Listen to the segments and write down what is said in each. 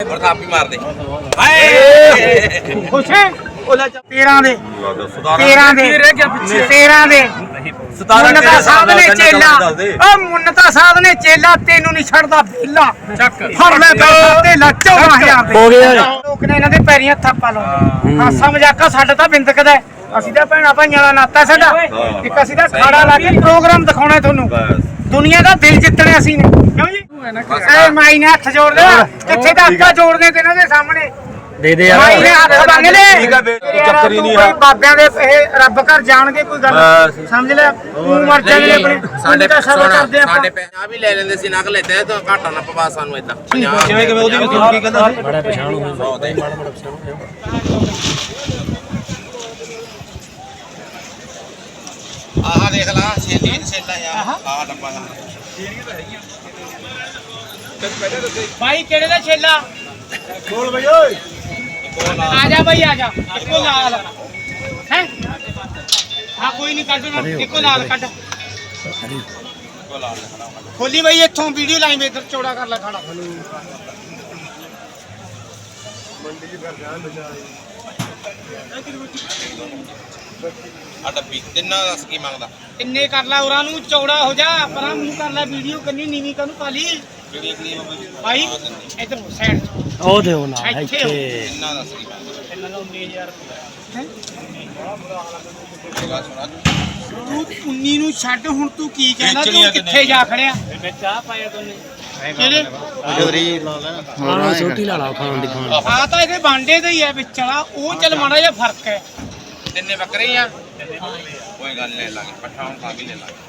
ਥਾਪੀ ਮਾਰ ਦੇ ਖੁਸ਼ ਹੈ 13 ਦੇ 13 ਦੇ 13 ਦੇ ਮੁੰਨਤਾ ਸਾਹਿਬ ਨੇ ਚੇਲਾ ਉਹ ਮੁੰਨਤਾ ਸਾਹਿਬ ਨੇ ਚੇਲਾ ਤੈਨੂੰ ਨਹੀਂ ਛੱਡਦਾ ਬੇਲਾ ਫੜ ਲੈ ਤੇ ਲੱਚੋ 14000 ਹੋ ਗਿਆ ਲੋਕ ਨੇ ਇਹਨਾਂ ਦੇ ਪੈਰੀਆਂ ਥਾਪਾ ਲਾਉਂਦੇ ਹਾਸਾ ਮਜ਼ਾਕਾ ਸਾਡਾ ਤਾਂ ਬਿੰਦਕਦਾ ਅਸੀਂ ਤਾਂ ਭੈਣਾ ਭਾਈਆਂ ਦਾ ਨਾਤਾ ਸਾਡਾ ਇੱਕ ਅਸੀਂ ਤਾਂ ਖਾੜਾ ਲਾ ਕੇ ਪ੍ਰੋਗਰਾਮ ਦਿਖਾਉਣਾ ਤੁਹਾਨੂੰ ਦੁਨੀਆ ਦਾ ਦਿਲ ਜਿੱਤਣਾ ਅਸੀਂ ਨੇ ਕਿਉਂ ਜੀ ਐ ਮਾਈ ਨੇ ਹੱਥ ਜੋੜ ਲਿਆ ਕਿੱਥੇ ਦਾ ਹੱਥ ਜੋੜਨੇ ਤੇ ਇਹਨਾਂ ਦੇ ਸਾਹਮਣੇ ਦੇ ਦੇ ਯਾਰ ਮਾਈ ਨੇ ਹੱਥ ਮੰਗ ਲਏ ਠੀਕ ਆ ਬੇ ਚੱਕਰ ਹੀ ਨਹੀਂ ਕੋਈ ਬਾਬਿਆਂ ਦੇ ਇਹ ਰੱਬ ਘਰ ਜਾਣਗੇ ਕੋਈ ਗੱਲ ਸਮਝ ਲੈ ਤੂੰ ਮਰ ਜਾਣੇ ਆਪਣੇ ਸਾਡੇ ਤਾਂ ਸਭ ਕਰਦੇ ਆਪਾਂ ਸਾਡੇ ਪੈਸੇ ਵੀ ਲੈ ਲੈਂਦੇ ਸੀ ਨਕ ਲੈਤੇ ਤਾਂ ਘਾਟਾ ਨਾ ਪਵਾ ਸਾਨੂੰ ਇਦਾਂ ਕਿਵੇਂ ਕਿਵੇਂ ਉਹਦੀ ਵੀ ਕੀ ਕਹਿੰਦਾ ਸੀ ਬੜਾ ਪਛਾਣ ਹੋ ਬਹੁਤ ਹੈ ਆਹ ਦੇਖ ਲਾ ਛੇਲੀ ਛੇਲਾ ਯਾਰ ਆਹ ਡੱਬਾ ਭਾਈ ਕਿਹੜੇ ਦਾ ਛੇਲਾ ਬੋਲ ਬਈ ਓਏ ਆ ਜਾ ਭਾਈ ਆ ਜਾ ਇੱਕੋ ਲਾਲ ਹੈ ਹਾਂ ਕੋਈ ਨਹੀਂ ਕੱਢ ਨਾ ਇੱਕੋ ਲਾਲ ਕੱਢ ਖੋਲੀ ਭਾਈ ਇੱਥੋਂ ਵੀਡੀਓ ਲਾਈਨ ਵਿੱਚ ਇੱਧਰ ਚੌੜਾ ਕਰ ਲੈ ਖਾਣਾ ਆ ਡੱਬੀ ਤਿੰਨਾਂ ਦੱਸ ਕੀ ਮੰਗਦਾ ਇੰਨੇ ਕਰ ਲੈ ਉਹਨਾਂ ਨੂੰ ਚੌੜਾ ਹੋ ਜਾ ਪਰਾਂ ਮੂੰਹ ਕਰ ਲੈ ਵੀਡੀਓ ਕੰਨੀ ਨੀਵੀਂ ਕਾਨੂੰ ਪਾਲੀ ਕਿਹੜੀ ਕਿਹੜੀ ਹੋ ਗਈ ਭਾਈ ਇੱਧਰ ਸਾਈਡ ਉਹ ਦੇਉ ਨਾ ਇੱਥੇ ਇੱਥੇ ਤਿੰਨਾਂ ਦੱਸ ਕੀ ਮੰਗਦਾ ਇਹਨਾਂ ਦਾ 19000 ਰੁਪਏ ਤੂੰ 19 ਨੂੰ ਛੱਡ ਹੁਣ ਤੂੰ ਕੀ ਕਹਿੰਦਾ ਤੂੰ ਕਿੱਥੇ ਜਾ ਖੜਿਆ ਮੈਂ ਚਾਹ ਪਾਇਆ ਤੂੰ ਕਿਹੜੇ ਜੋਰੀ ਲਾ ਲੈਣਾ ਹਾਂ ਛੋਟੀ ਲਾ ਲਾ ਖਾਣ ਦੀ ਖਾਣ ਆ ਤਾਂ ਇਹਦੇ ਬਾਂਡੇ ਦਾ ਹੀ ਹੈ ਵਿੱਚ ਵਾਲਾ ਉਹ ਚੱਲ ਮਾੜਾ ਜਿਹਾ ਫਰਕ ਹੈ ਤਿੰਨੇ ਬੱਕਰੇ ਹੀ ਆ ਕੋਈ ਗੱਲ ਲੈ ਲਾਂਗੇ ਪੱਠਾ ਹੁਣ ਖਾ ਕੇ ਲੈ ਲਾਂਗੇ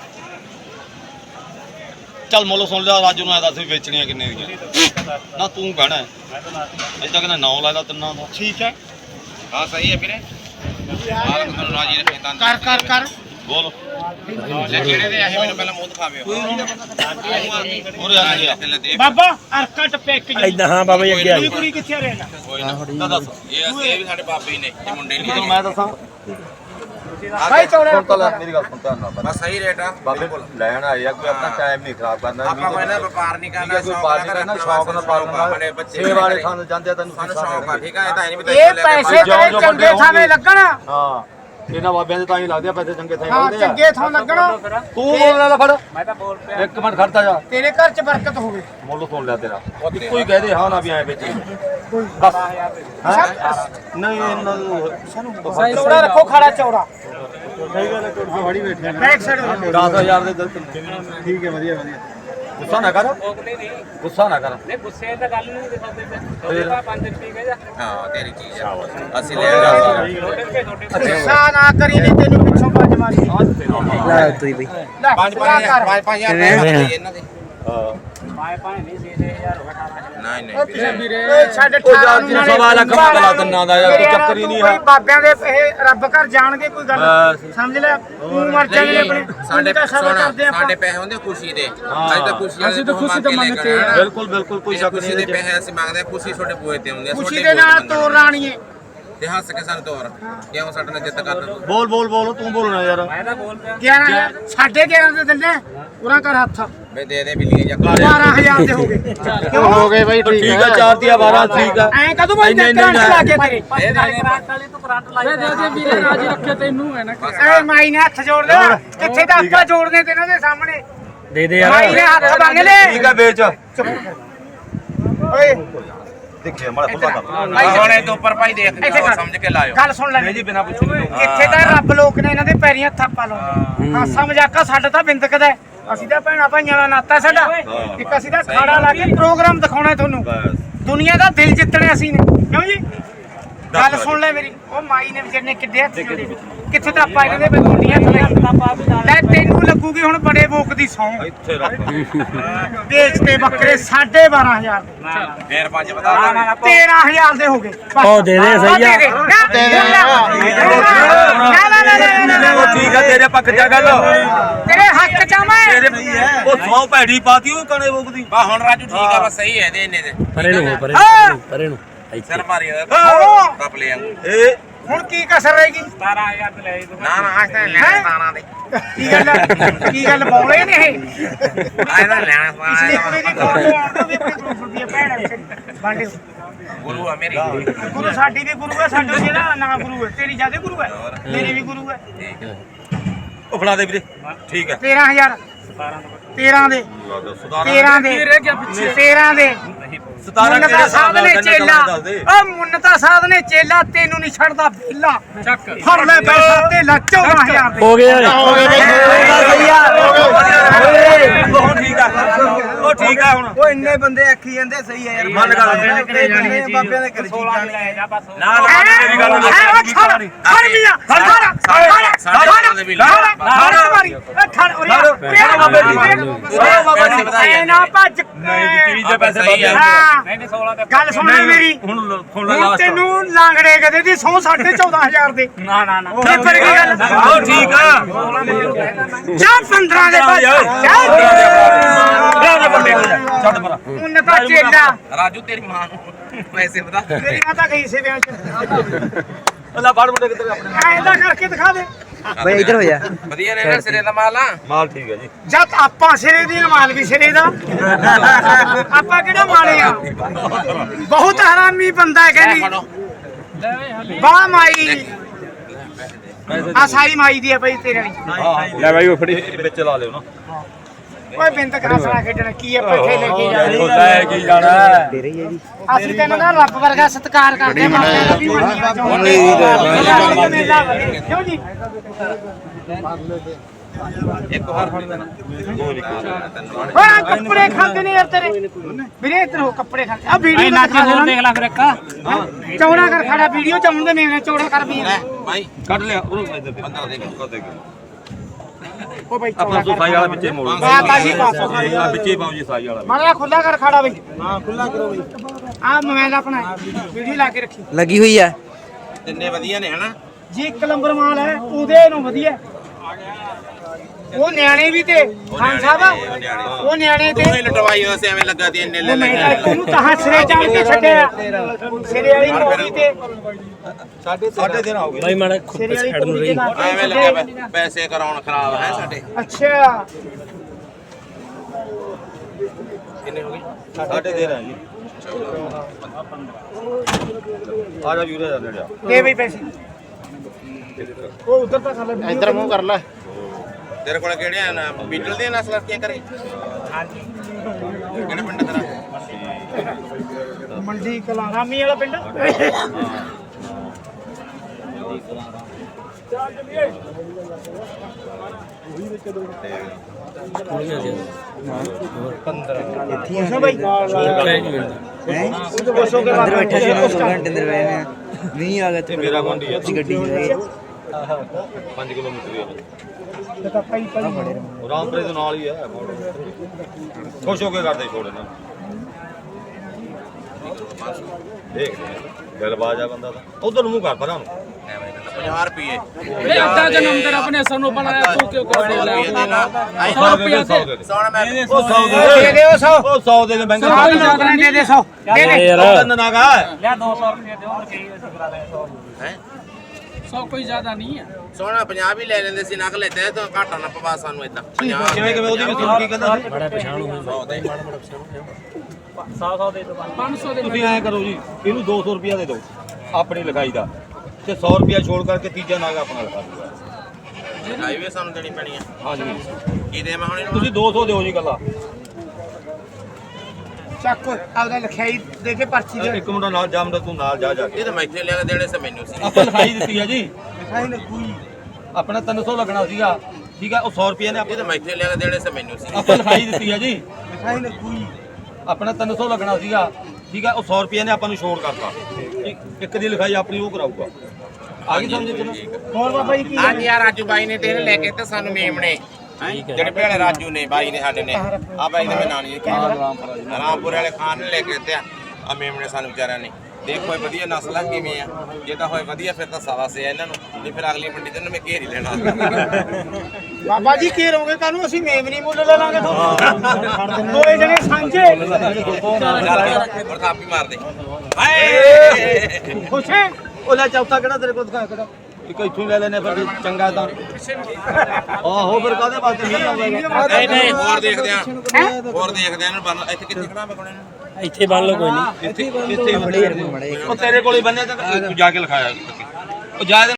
ਚੱਲ ਮੁੱਲ ਸੁਣ ਲਿਆ ਰਾਜੂ ਨੂੰ ਐ ਦੱਸ ਵੀ ਵੇਚਣੀਆਂ ਕਿੰਨੇ ਦੀਆਂ ਨਾ ਤੂੰ ਕਹਿਣਾ ਅਜੇ ਤੱਕ ਨਾ 9 ਲਾ ਲਾ ਤਿੰਨਾਂ ਦਾ ਠੀਕ ਹੈ ਹਾਂ ਸਹੀ ਹੈ ਵੀਰੇ ਆਹ ਤੁਹਾਨੂੰ ਰਾਜੀ ਰੱਖੇ ਤਾਂ ਕਰ ਕਰ ਕਰ ਬੋਲ ਲੈ ਕਿਹੜੇ ਦੇ ਆਹੇ ਮੈਨੂੰ ਪਹਿਲਾਂ ਮੂੰਹ ਦਿਖਾਵੇ ਹੋਰ ਆ ਗਿਆ ਬਾਬਾ ਅਰਕਾ ਟੱਪੇ ਇੱਕ ਜੀ ਇਦਾਂ ਹਾਂ ਬਾਬਾ ਜੀ ਅੱਗੇ ਆ ਕੁੜੀ ਕੁੜੀ ਕਿੱਥੇ ਰਹਿਣਾ ਕੋਈ ਨਾ ਦੱਸ ਇਹ ਵੀ ਸਾਡੇ ਬਾਬੇ ਹੀ ਨੇ ਇਹ ਮੁੰਡੇ ਨਹੀਂ ਤੈਨੂੰ ਮੈਂ ਦੱਸਾਂ ਭਾਈ ਚੌੜਾ ਸੁਣ ਤਾਂ ਲੈ ਮੇਰੀ ਗੱਲ ਸੁਣ ਧਿਆਨ ਨਾਲ ਬਸ ਸਹੀ ਰੇਟ ਆ ਬਾਬੇ ਲੈਣ ਆਏ ਆ ਕੋਈ ਆਪਣਾ ਟਾਈਮ ਨਹੀਂ ਖਰਾਬ ਕਰਨਾ ਆਪਾਂ ਕੋਈ ਨਾ ਵਪਾਰ ਨਹੀਂ ਕਰਨਾ ਕੋਈ ਪਾਰਟੀ ਕਰਨਾ ਸ਼ੌਕ ਨਾਲ ਪਾਲਣਾ ਸਾਡੇ ਬੱਚੇ ਛੇ ਵਾਲੇ ਸਾਨੂੰ ਜਾਂਦੇ ਆ ਤੈਨੂੰ ਸਾਨੂੰ ਸ਼ੌਕ ਆ ਠੀਕ ਆ ਇਹ ਤਾਂ ਨਹੀਂ ਵੀ ਇਹ ਪੈਸੇ ਤੇਰੇ ਚੰਗੇ ਥਾਵੇਂ ਲੱਗਣ ਹਾਂ ਇਹਨਾਂ ਬਾਬਿਆਂ ਦੇ ਤਾਂ ਹੀ ਲੱਗਦੇ ਆ ਪੈਸੇ ਚੰਗੇ ਥਾਂ ਹਾਂ ਲੱਗਦੇ ਆ ਚੰਗੇ ਥਾਂ ਲੱਗਣ ਤੂੰ ਬੋਲ ਲੈ ਫੜ ਮੈਂ ਤਾਂ ਬੋਲ ਪਿਆ ਇੱਕ ਮਿੰਟ ਖੜਤਾ ਜਾ ਤੇਰੇ ਘਰ 'ਚ ਬਰਕਤ ਹੋਵੇ ਮੁੱਲ ਸੁਣ ਲਿਆ ਤੇਰਾ ਇੱਕੋ ਹੀ ਕਹਦੇ ਹਾਂ ਨਾ ਵੀ ਐ ਵੇਚੀ ਬਸ ਨਹੀਂ ਇਹਨਾਂ ਨੂੰ ਚੌੜਾ ਰੱਖੋ ਖਾੜਾ ਚੌੜਾ ਸਹੀ ਗੱਲ ਹੈ ਫੜੀ ਬੈਠੇ ਬੈਕ ਸਾਈਡ ਹੋ ਜਾਓ 10000 ਦੇ ਠੀਕ ਹੈ ਵਧੀਆ ਵਧੀਆ ਗੁੱਸਾ ਨਾ ਕਰ ਗੁੱਸਾ ਨਾ ਕਰ ਨਹੀਂ ਗੁੱਸੇ ਤਾਂ ਗੱਲ ਨਹੀਂ ਦਿਖਾਉਂਦੇ ਫਿਰ 5 ਰੁਪਏ ਕਹਿ ਜਾ ਹਾਂ ਤੇਰੀ ਚੀਜ਼ ਆ ਅਸੀਂ ਲੈ ਜਾਵਾਂਗੇ ਗੁੱਸਾ ਨਾ ਕਰੀ ਨਹੀਂ ਤੈਨੂੰ ਪਿੱਛੋਂ ਬਾਜ ਮਾਰੀ ਲੈ ਤੂੰ ਬਈ ਲੈ 5,000 ਇਹਨਾਂ ਦੇ ਹਾਂ ਨਹੀਂ ਵੀਰੇ ਛੱਡ ਸਵਾ ਲੱਖ ਮੰਗਲਾ ਤਿੰਨਾਂ ਦਾ ਯਾਰ ਕੋਈ ਚੱਕਰ ਹੀ ਨਹੀਂ ਹੈ ਬਾਬਿਆਂ ਦੇ ਇਹ ਰੱਬ ਘਰ ਜਾਣਗੇ ਕੋਈ ਗੱਲ ਸਮਝ ਲੈ ਤੂੰ ਮਰ ਜਾਣੇ ਆਪਣੇ ਸਾਡੇ ਤਾਂ ਸਭ ਕਰਦੇ ਆਪਾਂ ਸਾਡੇ ਪੈਸੇ ਹੁੰਦੇ ਖੁਸ਼ੀ ਦੇ ਅਸੀਂ ਤਾਂ ਖੁਸ਼ੀ ਤਾਂ ਮੰਗਦੇ ਆ ਬਿਲਕੁਲ ਬਿਲਕੁਲ ਕੋਈ ਸ਼ੱਕ ਖੁਸ਼ੀ ਨਹੀਂ ਦੇ ਪੈਸੇ ਅਸੀਂ ਮੰਗਦੇ ਆ ਖੁਸ਼ੀ ਤੁਹਾਡੇ ਬੂਏ ਤੇ ਹੁੰਦੇ ਆ ਖੁਸ਼ੀ ਦੇ ਨਾਲ ਤੋਰ ਰਾਣੀਏ ਤੇ ਹੱਸ ਕੇ ਸਾਨੂੰ ਤੋਰ ਕਿਉਂ ਸਾਡੇ ਨਾਲ ਜਿੱਤ ਕਰਦਾ ਬੋਲ ਬੋਲ ਬੋਲ ਤੂੰ ਬੋਲਣਾ ਯਾਰ 11 11.5 ਦੇ ਦਿੰਦੇ ਪੂਰਾ ਕਰ ਹੱਥ ਮੈਂ ਦੇ ਦੇ ਬਿੱਲੀ ਜਾਂ 12000 ਦੇ ਹੋ ਗਏ ਕਿਉਂ ਹੋ ਗਏ ਬਾਈ ਠੀਕ ਆ 4 ਦੀਆਂ 12 ਠੀਕ ਆ ਐ ਕਦੋਂ ਬਾਈ ਕਰੰਟ ਲਾ ਕੇ ਤੇਰੇ ਵੀਰੇ ਰਾਜੀ ਰੱਖੇ ਤੈਨੂੰ ਹੈ ਨਾ ਐ ਮਾਈ ਨੇ ਹੱਥ ਜੋੜ ਲਿਆ ਕਿੱਥੇ ਦਾ ਹੱਥ ਜੋੜਨੇ ਤੇ ਇਹਨਾਂ ਦੇ ਸਾਹਮਣੇ ਦੇ ਦੇ ਮਾਈ ਨੇ ਯਾਰ ਹੱਥ ਮੰਗ ਲਏ ਠੀਕ ਆ ਵੇਚ ਓਏ ਦੇਖੇ ਮਾੜਾ ਖੁੱਲਾ ਕਰ ਹੁਣ ਇਹ ਤੋਂ ਉੱਪਰ ਭਾਈ ਦੇਖ ਸਮਝ ਕੇ ਲਾਇਓ ਗੱਲ ਸੁਣ ਲੈ ਨਹੀਂ ਜੀ ਬਿਨਾ ਪੁੱਛੇ ਨਹੀਂ ਇੱਥੇ ਤਾਂ ਰੱਬ ਲੋਕ ਨੇ ਇਹਨਾਂ ਦੇ ਪੈਰੀਆਂ ਥਾਪਾ ਲਾਉਂਦੇ ਹਾਸਾ ਮਜ਼ਾਕਾ ਸਾਡਾ ਤਾਂ ਬਿੰਦਕਦਾ ਅਸੀਂ ਤਾਂ ਭੈਣਾ ਭਾਈਆਂ ਦਾ ਨਾਤਾ ਸਾਡਾ ਇੱਕ ਅਸੀਂ ਤਾਂ ਖਾੜਾ ਲਾ ਕੇ ਪ੍ਰੋਗਰਾਮ ਦਿਖਾਉਣਾ ਤੁਹਾਨੂੰ ਦੁਨੀਆ ਦਾ ਦਿਲ ਜਿੱਤਣਾ ਅਸੀਂ ਨੇ ਕਿਉਂ ਜੀ ਗੱਲ ਸੁਣ ਲੈ ਮੇਰੀ ਉਹ ਮਾਈ ਨੇ ਵਿਚਾਰੇ ਨੇ ਕਿੱਡੇ ਹੱਥ ਜੋੜੇ ਕਿੱਥੇ ਤਾਂ ਆਪਾਂ ਇਹਨਾਂ ਦੇ ਗੁੰਡੀਆਂ ਲੈ ਤੈਨੂੰ ਲੱਗੂਗੀ ਹੁਣ ਬੜੇ ਬੋਕ ਦੀ ਸੌਂ ਇੱਥੇ ਰੱਖ ਵੇਚਦੇ ਬੱਕਰੇ 12,500 ਫੇਰ 5 ਬਤਾ 13,000 ਦੇ ਹੋ ਗਏ ਉਹ ਦੇ ਦੇ ਸਹੀ ਆ ਨਾ ਠੀਕ ਆ ਤੇਰੇ ਪੱਖ ਜਾ ਗੱਲ ਤੇਰੇ ਹੱਕ ਚ ਆ ਮੈਂ ਤੇਰੇ ਉਹ ਸੌ ਭੈੜੀ ਪਾਤੀ ਉਹ ਕਣੇ ਬੋਕਦੀ ਬਾ ਹੁਣ ਰਾਜੂ ਠੀਕ ਆ ਬਸ ਸਹੀ ਹੈ ਦੇ ਇੰਨੇ ਦੇ ਪਰੇ ਨੂੰ ਪਰੇ ਨੂੰ ਇੱਥੇ ਸਿਰ ਮਾਰੀ ਕੱਪ ਲੈ ਆਂਗੇ ਇਹ ਹੁਣ ਕੀ ਕਸਰ ਰਹੇਗੀ 17000 ਤੇ ਲੈ ਨਾ ਨਾ ਅੱਜ ਤਾਂ ਲੈਣਾ ਤਾਣਾ ਦੇ ਕੀ ਗੱਲ ਬੋਲੇ ਨੇ ਇਹ ਅੱਜ ਤਾਂ ਲੈਣਾ ਪਿਛਲੀ ਕੁੜੀ ਦੀ ਫੋਟੋ ਆਉਣ ਤੋਂ ਵੀ ਆਪਣੀ 200 ਰੁਪਏ ਭੈਣ ਬਾਂਡੇ ਗੁਰੂ ਆ ਮੇਰੀ ਗੁਰੂ ਸਾਡੀ ਵੀ ਗੁਰੂ ਹੈ, ਸਾਡਾ ਜਿਹੜਾ ਨਾ ਗੁਰੂ ਹੈ, ਤੇਰੀ ਜਿਆਦਾ ਗੁਰੂ ਹੈ, ਮੇਰੀ ਵੀ ਗੁਰੂ ਹੈ। ਉਹ ਫੜਾ ਦੇ ਵੀਰੇ ਠੀਕ ਹੈ 13000 13 ਦੇ 13 ਦੇ 13 ਦੇ 17 ਮੁੰਨਤਾ ਸਾਧ ਨੇ ਚੇਲਾ ਓ ਮੁੰਨਤਾ ਸਾਧ ਨੇ ਚੇਲਾ ਤੈਨੂੰ ਨਹੀਂ ਛੱਡਦਾ ਵਿਹਲਾ ਚੱਕ ਫੜ ਲੈ ਪੈਸਾ ਤੇ ਲਾ 14000 ਦੇ ਹੋ ਗਿਆ ਸਹੀ ਆ ਉਹ ਠੀਕ ਆ ਉਹ ਠੀਕ ਆ ਹੁਣ ਉਹ ਇੰਨੇ ਬੰਦੇ ਆਖੀ ਜਾਂਦੇ ਸਹੀ ਆ ਯਾਰ ਮੰਨ ਗੱਲ ਬਾਬਿਆਂ ਦੇ ਕਰ ਜੀ ਜਾਣੀ ਨਾ ਮੇਰੀ ਗੱਲ ਖੜ ਮੀਆਂ ਖੜ ਨਾ ਭੱਜ ਤੀਜ ਦੇ ਪੈਸੇ ਸਹੀ ਆ। ਨਹੀਂ 16 ਤੇ ਗੱਲ ਸੁਣ ਲੈ ਮੇਰੀ ਹੁਣ ਹੁਣ ਲਾਸਟ ਤੈਨੂੰ ਲਾਂਗੜੇ ਕਦੇ ਦੀ 114,500 ਦੇ ਨਾ ਨਾ ਨਾ ਇਹ ਪਰ ਕੀ ਗੱਲ ਉਹ ਠੀਕ ਆ ਜਾ 15 ਦੇ ਭੱਜ ਛੱਡ ਪਰਾ ਉਨਤਾ ਚੇਲਾ ਰਾਜੂ ਤੇਰੀ ਮਾਂ ਨੂੰ ਪੈਸੇ ਬਤਾ ਤੇਰੀ ਮਾਤਾ ਗਈ ਸੀ ਵਿਆਹ ਚ ਅੱਲਾ ਫੜ ਮੁੰਡੇ ਕਿੱਧਰ ਆਪਣੇ ਐਂਦਾ ਕਰਕੇ ਦਿਖਾ ਦੇ ਬਈ ਇੱਧਰ ਹੋ ਜਾ ਵਧੀਆ ਨੇ ਨਾ ਸਿਰੇ ਦਾ ਮਾਲ ਆ ਮਾਲ ਠੀਕ ਹੈ ਜੀ ਜਦ ਆਪਾਂ ਸਿਰੇ ਦੀ ਮਾਲ ਵੀ ਸਿਰੇ ਦਾ ਆਪਾਂ ਕਿਹੜਾ ਮਾਲੇ ਆ ਬਹੁਤ ਹਰਾਮੀ ਬੰਦਾ ਹੈ ਕਹਿੰਦੀ ਵਾਹ ਮਾਈ ਆ ਸਾਈ ਮਾਈ ਦੀ ਹੈ ਬਈ ਤੇਰੇ ਵਾਲੀ ਲੈ ਬਾਈ ਉਹ ਫੜੀ ਵਿੱਚ ਲਾ ਲਿਓ ਨਾ ਓਏ ਬਿੰਦ ਕਰਾਸਣਾ ਖੇਡਣ ਕੀ ਹੈ ਪੈਸੇ ਲੈ ਕੇ ਜਾ ਲੈ ਕੀ ਜਾਣਾ ਅਸੀਂ ਤੈਨੂੰ ਨਾ ਰੱਬ ਵਰਗਾ ਸਤਿਕਾਰ ਕਰਦੇ ਮਾਪਿਆਂ ਦਾ ਵੀ ਮੰਨੀਆਂ ਚਾਹੁੰਦੇ ਕਿਉਂ ਜੀ ਇੱਕ ਹੋਰ ਫੜ ਦੇਣਾ ਓਏ ਕੱਪੜੇ ਖਾਂਦੇ ਨੇ ਯਾਰ ਤੇਰੇ ਵੀਰੇ ਇੱਧਰ ਹੋ ਕੱਪੜੇ ਖਾਂਦੇ ਆ ਵੀਡੀਓ ਨਾ ਦੇਖ ਲੈ ਫਿਰ ਇੱਕ ਚੌੜਾ ਕਰ ਖੜਾ ਵੀਡੀਓ ਚ ਆਉਣ ਦੇ ਮੇਰੇ ਚੌੜਾ ਕਰ ਵੀ ਭਾਈ ਕੱਢ ਲਿਆ ਉਹਨੂੰ ਇੱਧਰ ਦੇ ਬੰਦਾ ਦੇ ਓ ਬਈ ਆਪਣਾ ਸਾਈ ਵਾਲਾ ਵਿੱਚੇ ਮੋੜ ਬਾਬਾ ਜੀ ਪਾਸੋਂ ਵਿੱਚੇ ਪਾਉ ਜੀ ਸਾਈ ਵਾਲਾ ਮਾੜਾ ਖੁੱਲਾ ਕਰ ਖੜਾ ਬਈ ਹਾਂ ਖੁੱਲਾ ਕਰੋ ਬਈ ਆ ਮੋਬਾਈਲ ਆਪਣਾ ਵੀਡੀਓ ਲਾ ਕੇ ਰੱਖੀ ਲੱਗੀ ਹੋਈ ਆ ਤਿੰਨੇ ਵਧੀਆ ਨੇ ਹਨਾ ਜੀ ਇੱਕ ਨੰਬਰ ਮਾਲ ਹੈ ਉਹਦੇ ਨੂੰ ਵਧੀਆ ਉਹ ਨਿਆਣੇ ਵੀ ਤੇ ਖਾਨ ਸਾਹਿਬ ਉਹ ਨਿਆਣੇ ਤੇ ਦੋਵੇਂ ਲਟਵਾਈ ਹੋਇਆ ਸੀ ਐਵੇਂ ਲੱਗਾ ਤੇ ਇੰਨੇ ਲੈ ਉਹ ਮੈਂ ਲੈ ਤਾਂ ਉਹਨੂੰ ਤਾਂ ਸਿਰੇ ਚਾੜ ਕੇ ਛੱਡਿਆ ਸਿਰੇ ਵਾਲੀ ਮੋੜੀ ਤੇ ਸਾਡੇ ਦਿਨ ਆਉਗੇ ਬਾਈ ਮਾੜਾ ਸਿਰੇ ਵਾਲੀ ਸਾਈਡ ਨੂੰ ਮੋੜੀ ਰਹੀ ਤੇ ਐਵੇਂ ਲੱਗਿਆ ਪੈਸੇ ਕਰਾਉਣ ਖਰਾਬ ਹੈ ਸਾਡੇ ਅੱਛਾ ਕਿੰਨੇ ਹੋ ਗਏ ਸਾਡੇ ਦਿਨ ਆ ਜੀ ਆ ਜਾ ਵੀਰੇ ਜਾ ਜਾ ਦੇ ਬਈ ਪੈਸੇ ਉਹ ਉਧਰ ਤਾਂ ਕਰ ਲੈ ਇੱਧਰ ਮੂੰਹ ਕਰ ਲੈ ਤੇਰੇ ਕੋਲ ਕਿਹੜੇ ਆ ਨਾ ਬੀਟਲ ਦੀਆਂ ਨਸਲਾਂ ਕੀ ਕਰੇ ਹਾਂਜੀ ਕਿਹੜੇ ਪਿੰਡ ਤੇਰਾ ਮੰਡੀ ਕਲਾਰਾਮੀ ਵਾਲਾ ਪਿੰਡ ਪੁੱਛੋ ਬਈ ਪੁੱਛੋ ਕੇ ਅੰਦਰ ਬੈਠਾ ਸੀ 2 ਘੰਟੇ ਅੰਦਰ ਬੈਠੇ ਆ ਨਹੀਂ ਆ ਗਿਆ ਤੇ ਮੇਰਾ ਮੰਡੀ ਆ ਅਸੀਂ ਗੱਡੀ ਚ ਗਏ 5 ਕਿਲੋਮੀਟਰ ਹੀ ਤਾਂ ਭਾਈ ਭਾਈ ਆ ਰਾਮਪੁਰੇ ਦੇ ਨਾਲ ਹੀ ਆ ਖੁਸ਼ ਹੋ ਕੇ ਕਰਦੇ ਛੋੜ ਇਹਨਾਂ ਦੇਖ ਦਿਲਬਾਜ ਆ ਬੰਦਾ ਤਾਂ ਉਧਰ ਨੂੰ ਮੂੰਹ ਕਰ ਪਰਾਂ ਨੂੰ 50 ਰੁਪਏ ਇਹ ਅੱਧਾ ਜਨਮ ਤੇਰਾ ਆਪਣੇ ਸਾਨੂੰ ਬਣਾਇਆ ਤੂੰ ਕਿਉਂ ਕਰ ਰਿਹਾ ਰੁਪਏ ਦੇ ਨਾ 100 ਰੁਪਏ 100 ਦੇ ਸੋਣਾ ਮੈਂ ਉਹ 100 ਦੇ ਦੇ ਉਹ 100 ਉਹ 100 ਦੇ ਦੇ ਬੈਂਕ ਸਾਰੀ ਜਾਤ ਨੇ ਦੇ ਦੇ 100 ਦੇ ਦੇ ਯਾਰ ਤਨ ਨਾਗਾ ਲਿਆ 200 ਰੁਪਏ ਦਿਓ ਤੇ ਕਹੀ ਅਸੀਂ ਕਰਾ ਦੇ 100 ਹੈ 100 ਕੋਈ ਜ਼ਿਆਦਾ ਨਹੀਂ ਹੈ ਸੋਣਾ 50 ਵੀ ਲੈ ਲੈਂਦੇ ਸੀ ਨਕ ਲੈਤੇ ਤਾਂ ਘਾਟਾ ਨਾ ਪਵਾ ਸਾਨੂੰ ਇਦਾਂ 50 ਕਿਵੇਂ ਕਿਵੇਂ ਉਹਦੀ ਵੀ ਸੁਣ ਕੀ ਕਹਿੰਦਾ ਸੀ ਮਾੜਾ ਪਛਾਣ ਹੋਈ 100 ਦੇ 100 ਦੇ ਦੋ 500 ਦੇ ਤੁਸੀਂ ਐਂ ਕਰੋ ਜੀ ਇਹਨੂੰ 200 ਰੁਪਿਆ ਦੇ ਦਿਓ ਆਪਣੀ ਲਿਖਾਈ ਦਾ ਤੇ 100 ਰੁਪਿਆ ਛੋੜ ਕਰਕੇ ਤੀਜਾ ਨਾਗਾ ਆਪਣਾ ਲਿਖਾ ਦਿਓ ਹਾਈਵੇ ਸਾਨੂੰ ਦੇਣੀ ਪੈਣੀ ਆ ਹਾਂਜੀ ਕੀ ਦੇ ਮੈਂ ਹੁਣ ਇਹਨੂੰ ਤੁਸੀਂ 200 ਦਿਓ ਜੀ ਗੱਲਾਂ ਚੱਕ ਆਪਦਾ ਲਿਖਾਈ ਦੇ ਕੇ ਪਰਚੀ ਦੇ ਇੱਕ ਮੁੰਡਾ ਨਾਲ ਜਾ ਮੁੰਡਾ ਤੂੰ ਨਾਲ ਜਾ ਜਾ ਕੇ ਇਹ ਤਾਂ ਮੈਂ ਇੱਥੇ ਲਿਆ ਕੇ ਦੇਣੇ ਸੀ ਮੈਨੂੰ ਸੀ ਆਪਾਂ ਲਿਖਾਈ ਦਿੱਤੀ ਆ ਜੀ ਲਿਖਾਈ ਲੱਗੂਗੀ ਆਪਣਾ 300 ਲੱਗਣਾ ਸੀਗਾ ਠੀਕ ਆ ਉਹ 100 ਰੁਪਿਆ ਨੇ ਇਹ ਤਾਂ ਮੈਂ ਇੱਥੇ ਲਿਆ ਕੇ ਦੇਣੇ ਸੀ ਮੈਨੂੰ ਸੀ ਆਪਾਂ ਲਿਖਾਈ ਦਿੱਤੀ ਆ ਜੀ ਲਿਖਾਈ ਲੱਗੂਗੀ ਆਪਣਾ 300 ਲੱਗਣਾ ਸੀਗਾ ਠੀਕ ਆ ਉਹ 100 ਰੁਪਿਆ ਨੇ ਆਪਾਂ ਨੂੰ ਛੋੜ ਕਰਤਾ ਇੱਕ ਦੀ ਲਿਖਾਈ ਆਪਣੀ ਉਹ ਕਰਾਊਗਾ ਆ ਗਈ ਸਮਝ ਚ ਨਾ ਹੋਰ ਬਾਬਾ ਜੀ ਕੀ ਹਾਂਜੀ ਯਾਰ ਰਾਜੂ ਬਾਈ ਨੇ ਤੇ ਇਹਨੇ ਲੈ ਕੇ ਤੇ ਸਾਨੂੰ ਮੇਮਣੇ ਜਿਹੜੇ ਭੇੜੇ ਰਾਜੂ ਨੇ ਬਾਈ ਨੇ ਸਾਡੇ ਨੇ ਆ ਬਾਈ ਦਾ ਮੈਂ ਨਾਂ ਨਹੀਂ ਰਾਮਪੁਰ ਵਾਲੇ ਖਾਨ ਨੇ ਲੈ ਕੇ ਤੇ ਆ ਮੇਮਣੇ ਸਾਨੂੰ ਵਿਚਾਰਿਆਂ ਨੇ ਦੇਖੋ ਇਹ ਵਧੀਆ ਨਸਲ ਆ ਕਿਵੇਂ ਆ ਜੇ ਤਾਂ ਹੋਏ ਵਧੀਆ ਫਿਰ ਤਾਂ ਸਾਵਾ ਸੇ ਇਹਨਾਂ ਨੂੰ ਨਹੀਂ ਫਿਰ ਅਗਲੀ ਮੰਡੀ ਤੇ ਮੈਂ ਘੇਰ ਹੀ ਲੈਣਾ ਬਾਬਾ ਜੀ ਕੀ ਰਹੋਗੇ ਕਾਨੂੰ ਅਸੀਂ ਮੇਮਨੀ ਮੁੱਲ ਲੈ ਲਾਂਗੇ ਤੁਹਾਨੂੰ ਦੋਏ ਜਣੇ ਸਾਂਝੇ ਹੋਰ ਥਾਪੀ ਮਾਰ ਦੇ ਹਾਏ ਖੁਸ਼ ਹੈ ਉਹ ਲੈ ਚੌਥਾ ਕਿਹੜਾ ਤੇਰੇ ਕੋਲ ਦਿਖਾ ਕਿਹੜਾ ਇੱਕ ਇੱਥੋਂ ਹੀ ਲੈ ਲੈਨੇ ਫਿਰ ਚੰਗਾ ਤਾਂ ਆਹੋ ਫਿਰ ਕਾਹਦੇ ਵਾਸਤੇ ਨਹੀਂ ਆਉਂਦਾ ਨਹੀਂ ਨਹੀਂ ਹੋਰ ਦੇਖਦੇ ਆ ਹੋਰ ਦੇਖਦੇ ਆ ਇਹਨੂੰ ਇੱਥੇ ਕਿੱਥੇ ਖੜਾ ਮੈਂ ਕੋਣੇ ਨੂੰ ਇੱਥੇ ਬੰਨ ਲਓ ਕੋਈ ਨਹੀਂ ਇੱਥੇ ਉਹ ਤੇਰੇ ਕੋਲ ਹੀ ਬੰਨਿਆ ਤਾਂ ਤੂੰ ਜਾ ਕੇ ਲਿਖਾਇਆ ਉਹ ਜਾ